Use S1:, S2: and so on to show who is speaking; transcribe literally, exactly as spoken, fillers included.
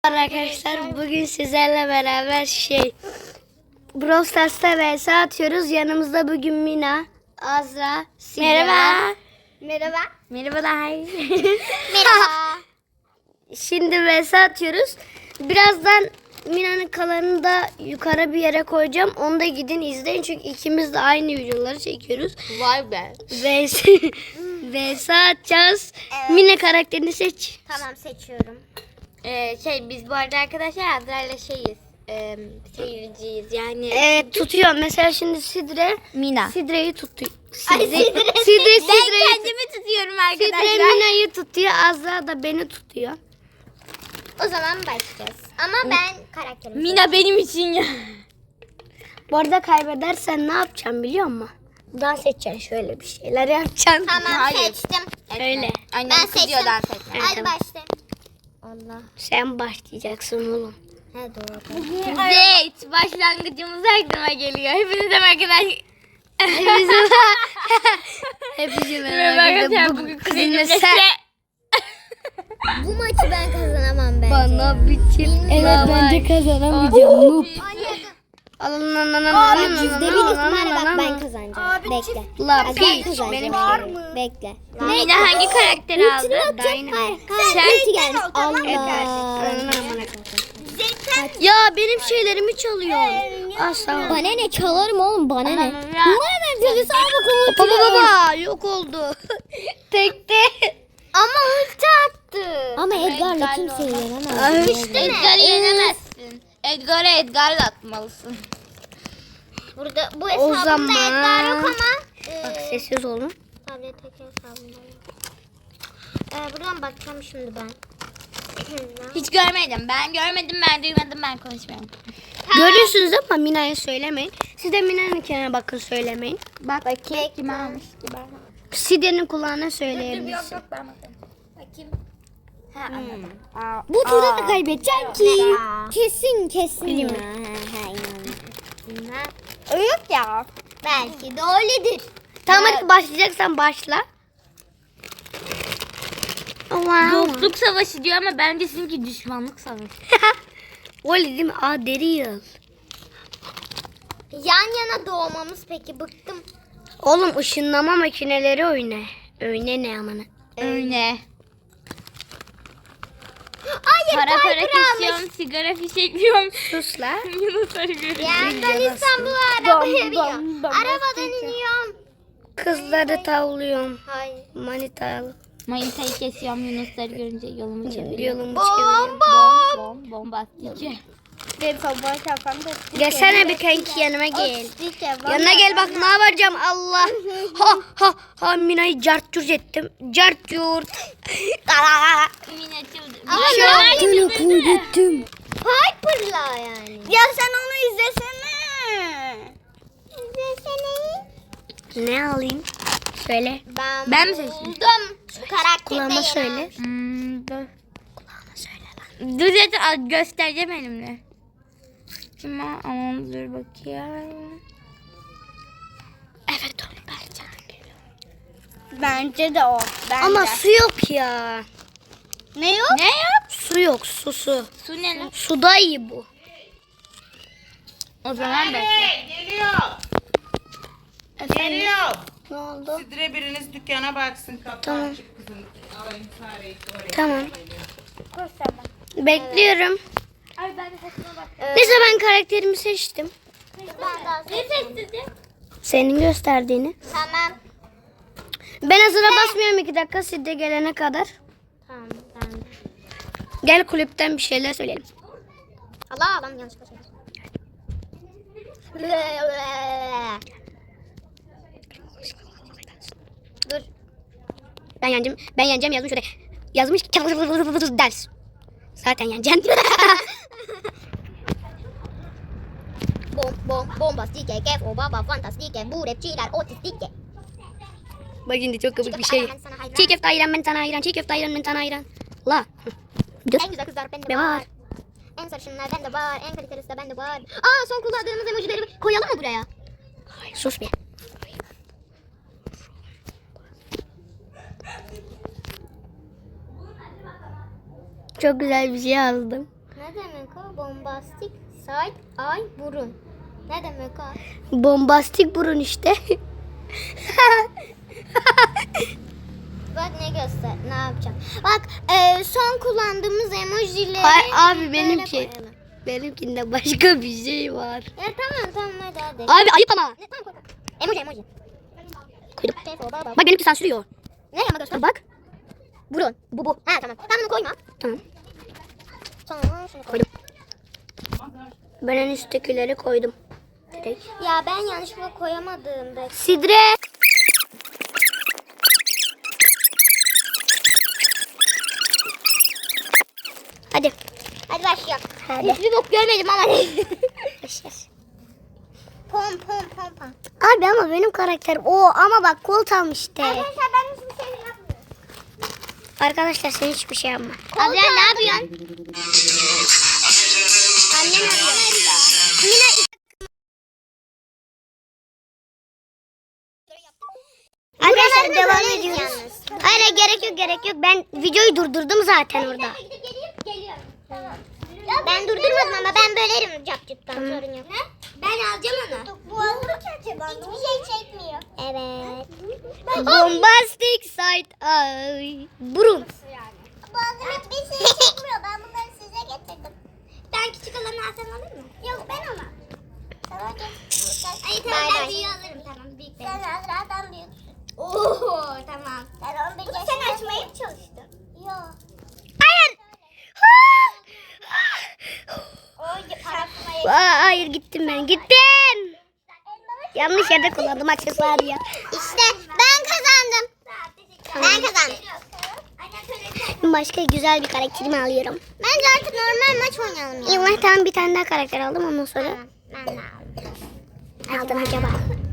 S1: Arkadaşlar bugün sizlerle beraber şey Brawl Stars'ta vs atıyoruz. Yanımızda bugün Mina, Azra, Sigara.
S2: Merhaba.
S1: Merhaba.
S2: Merhabalar.
S1: Merhaba. Şimdi vs atıyoruz. Birazdan Mina'nın kalanını da yukarı bir yere koyacağım. Onu da gidin izleyin çünkü ikimiz de aynı videoları çekiyoruz.
S2: Vay be.
S1: Vs vs atacağız.
S2: Evet.
S1: Mina karakterini seç.
S2: Tamam seçiyorum. Ee, şey biz bu arada arkadaşlar Azra'yla şeyiz. E, seyirciyiz yani.
S1: Evet tutuyor. Mesela şimdi Sidre
S2: Mina.
S1: Sidre'yi tutuyor.
S2: Ay,
S1: Sidre,
S2: Sidre.
S1: Sidre,
S2: Ben
S1: Sidre'yi
S2: kendimi tutuyorum
S1: Sidre
S2: arkadaşlar.
S1: Mina'yı tutuyor. Azra da beni tutuyor.
S2: O zaman başlayacağız. Ama ben karakterimi Mina benim için ya.
S1: Bu arada kaybedersen ne yapacağım biliyor musun? Dans edeceksin, şöyle bir şeyler yapacaksın.
S2: Tamam
S3: Hayır.
S2: seçtim.
S1: Öyle.
S2: Annem
S3: Ben
S2: kızıyor
S3: seçtim.
S2: dans etmeye.
S1: Evet,
S2: Hadi
S1: tamam.
S2: başla. Allah.
S1: Sen başlayacaksın oğlum.
S2: He doğru. Zeyt başlangıcımız aklıma geliyor. Hepinize arkadaş.
S1: Hepinize Hepinize
S2: Merhaba arkadaşlar, bugün kuzenimle
S1: sen
S2: Bu maçı ben kazanamam bence.
S1: bana biçim. Evet bence kazanamayacağım. Noob. Alın lan lan lan
S2: Abi
S1: lan
S2: yüzde
S1: lan
S2: bir
S1: lan
S2: ihtimalle
S1: lan
S2: bak
S1: lan
S2: ben
S1: lan.
S2: kazanacağım. Bekle.
S1: La
S2: Ben
S1: piç
S2: kazanacağım.
S1: benim
S2: Bekle.
S3: Mina hangi karakteri aldı?
S1: Dynamite.
S2: Sen
S3: Ulti
S2: gelmiş.
S3: Allah.
S1: Ya benim şeylerimi çalıyor. Asla.
S2: Bana ne çalarım oğlum bana ne? Bana ne dedi sana bakalım.
S1: Baba baba yok oldu. Tekte.
S2: Ama ulti attı. Ama Edgar'la kimseyi yenemez.
S1: İşte
S3: Edgar'ı yenemezsin. Edgar'a Edgar'ı da atmalısın.
S2: Burada bu
S1: O
S2: hesabımda
S1: zaman-
S2: Edgar yok ama.
S1: Bak
S2: E,
S1: sessiz olun.
S2: tabletteki hesabımda yok. E, buradan bakacağım şimdi ben.
S3: Hiç görmedim. Ben görmedim, ben duymadım, ben konuşmuyorum.
S1: Görüyorsunuz ama Mina'ya söylemeyin. Siz de Mina'nınkine bakın söylemeyin.
S3: Bak bakayım kim almış ki ben.
S1: Side'nin kulağına söyleyebiliriz.
S3: yok ben bakayım. Bakayım. Ha anladım.
S2: Bu turda da kaybedeceğim ki. Kesin kesin.
S3: Yok ya.
S2: Belki de öyledir.
S1: Tamam hadi başlayacaksan başla. Wow.
S3: Dostluk savaşı diyor ama bence sizinki düşmanlık savaşı.
S1: Öyle değil mi? Aa deri yıl.
S2: Yan yana doğmamız peki bıktım.
S1: Oğlum ışınlama makineleri oyna. Oyna ne amına.
S3: Öyle.
S2: Hayır
S3: Para para
S2: Piper almış.
S3: kesiyorum, sigara fişekliyorum.
S1: Sus la.
S3: Yunusları görüyorum.
S2: Yandan İstanbul'a arabaya biniyor.
S1: bam, bam,
S2: Arabadan iniyorum.
S1: Kızları tavlıyorum.
S2: Hayır.
S1: Manitalı.
S3: Manitayı kesiyorum, Yunusları görünce yolumu çeviriyorum.
S1: Yolumu çeviriyorum.
S2: Bomba.
S3: Bom, bombastik.
S2: Ve sabah kafamda.
S1: Gelsene bir kanki yanıma gel.
S2: Yanına
S1: Yanına gel bak ne yapacağım Allah. Ha ha ha Mina'yı cart curt ettim. Cart curt.
S3: Min açıldı.
S2: Ama
S3: Ben
S2: ne
S3: böyle
S1: kaybettim.
S2: Piper'la yani.
S1: Ya sen onu izlesene.
S2: İzlesene.
S1: Ne alayım? Söyle.
S2: Ben,
S3: Ben mi seçeyim?
S2: buldum. Şu karakteri
S1: Kulağıma
S2: de
S1: söyle.
S3: Hmm, dur.
S1: Söyle lan.
S3: Dur zaten al- göstereceğim elimle. Kim o? Aman dur bakayım.
S1: Evet o bence.
S3: Bence de o.
S1: Ama su yok ya.
S3: Ne yok? Ne yok?
S1: Su yok su su.
S3: Su ne lan?
S1: Suda iyi bu.
S3: O zaman bekle.
S4: Geliyor. Geliyor.
S1: Ne oldu?
S4: Sidre biriniz dükkana baksın. Kapı
S1: Tamam.
S4: açık kızım. Alayım fareyi oraya.
S1: Tamam. Bekliyorum.
S3: Ay ben de saçıma bak.
S1: Neyse ben karakterimi seçtim.
S2: Ben daha
S3: Ne sessizdi?
S1: Senin gösterdiğini.
S2: Tamam.
S1: Ben hazıra basmıyorum iki dakika siz de gelene kadar.
S2: Tamam ben de.
S1: Gel kulüpten bir şeyler söyleyelim.
S2: Allah adam yanlışlıkla söyledim. Dur.
S1: Ben yeneceğim. Ben yeneceğim yazmış şurada. Yazmış ders. Zaten yeneceğim.
S2: Bom bom bombastike kef o baba fantastike bu rapçiler otistike.
S1: Bak şimdi çok komik bir şey.
S2: Ben sana hayran.
S1: Çiğ köfte ayran ben sana ayran. Çiğ köfte ayran ben sana ayran. La. Dur.
S2: En güzel kızlar bende
S1: Ne
S2: var.
S1: var?
S2: En sarışınlar bende var. En kalitelisi de bende var. Aa son kullandığımız emojileri koyalım mı buraya?
S1: Sus be. Çok güzel bir şey yazdım.
S2: Ne demek o? Bombastik side ay burun. Ne demek o?
S1: Bombastik burun işte.
S2: Bak ne göster, ne yapacağım? Bak e, son kullandığımız emojileri
S1: Hayır abi
S2: böyle
S1: benimki.
S2: koyalım.
S1: Benimkinde başka bir şey var.
S2: Ya tamam tamam hadi hadi.
S1: Abi ayıp ama.
S2: Ne, tamam koy koy. Emoji emoji.
S1: Koydum. Bak benimki sansürüyor.
S2: Ne ama göster.
S1: Bak.
S2: Burun. Bu bu. Ha tamam. Tamam bunu koyma.
S1: Tamam.
S2: Sonra şunu koy.
S1: Koydum. Ben en üsttekileri koydum. Direkt.
S2: Ya ben yanlışlıkla koyamadığımda.
S1: Sidre. Hadi.
S2: Hadi başlayalım.
S1: Hadi.
S2: Hiçbir bok görmedim ama. pom pom pom pom.
S1: Abi ama benim karakterim o ama bak kol tam işte.
S2: Arkadaşlar ben hiçbir şey yapmıyorum.
S1: Arkadaşlar sen hiçbir şey yapma.
S2: Adrian ne yapıyorsun? Annem arıyor. Yine
S1: Arkadaşlar
S2: Buralarda
S1: devam
S2: böyle
S1: ediyoruz.
S2: yalnız.
S1: Hayır hayır, gerek yok gerek yok. Ben videoyu durdurdum zaten orada.
S2: Ben durdurmadım ama ben bölerim capcıktan sorun yok. Ben alacağım onu. Bu olur ki acaba? Hiçbir şey çekmiyor. Evet.
S1: Bombastic side ay burun.
S2: Bazen hiçbir şey çekmiyor. Ben bunları size getirdim. Ben küçük olanı alsam olur mu? Yok ben ona. Tamam getir. Ay tamam ben büyüğü alırım tamam. Büyük benim. Sen Azra'dan büyüksün. Oo tamam. Sen on bir yaşındasın. Sen açmaya mı çalıştın? Yok.
S1: Hayır.
S2: O parasına
S1: Aa, hayır gittim ben gittim. Yanlış yerde kullandım aksesuarı ya.
S2: İşte ben kazandım. Ben kazandım.
S1: Başka güzel bir karakterimi alıyorum.
S2: Bence artık normal maç oynayalım ya.
S1: İllah tamam bir tane daha karakter aldım ondan sonra.
S2: Ben de aldım.
S1: Aldım acaba.